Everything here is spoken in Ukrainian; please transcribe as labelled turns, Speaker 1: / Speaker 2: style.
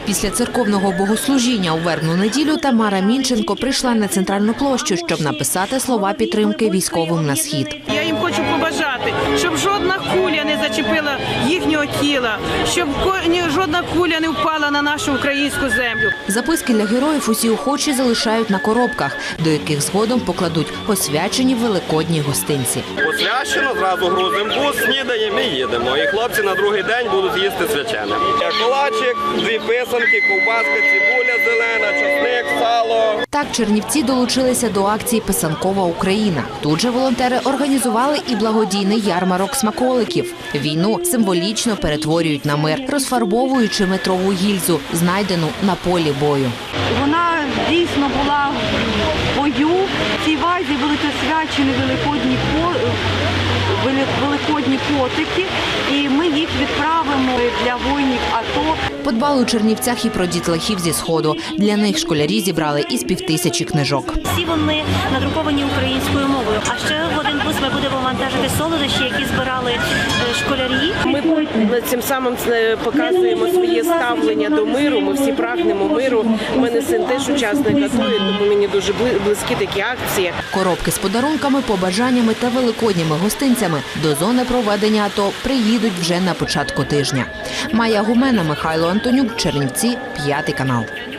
Speaker 1: Після церковного богослужіння у Вербну неділю Тамара Мінченко прийшла на центральну площу, щоб написати слова підтримки військовим на схід.
Speaker 2: Я їм хочу побажати, щоб жодна куля не зачепила їхнього тіла, щоб жодна куля не впала на нашу українську землю.
Speaker 1: Записки для героїв усі охочі залишають на коробках, до яких згодом покладуть освячені великодні гостинці.
Speaker 3: Освячено, зразу грузимо бус, снідаємо і їдемо. І хлопці на другий день будуть їсти свячене. Колачик, 2 писанки, ковбаска, цибуля зелена, чесник, сало.
Speaker 1: Так чернівці долучилися до акції «Писанкова Україна». Тут же волонтери організували і благодійний ярмарок смаколиків. Війну символічно перетворюють на мир, розфарбовуючи метрову гільзу, знайдену на полі бою.
Speaker 4: Вона дійсно була в бою. В цій вазі були освячені великодні котики, і ми їх відправимо для воїнів АТО.
Speaker 1: Подбали у Чернівцях і про дітлахів зі Сходу. Для них школярі зібрали із 5000 книжок.
Speaker 5: Всі вони надруковані українською мовою. А ще в один бус ми будемо вантажити солодощі, які збирали школярі.
Speaker 2: Ми цим самим показуємо своє ставлення до миру. Ми всі прагнемо миру. У мене син теж учасник АТО, тому мені дуже близькі такі акції.
Speaker 1: Коробки з подарунками, побажаннями та великодніми гостинцями до зони проведення АТО приїдуть вже на початку тижня. Майя Гумена, Михайло Антонюк, Чернівці, 5 канал.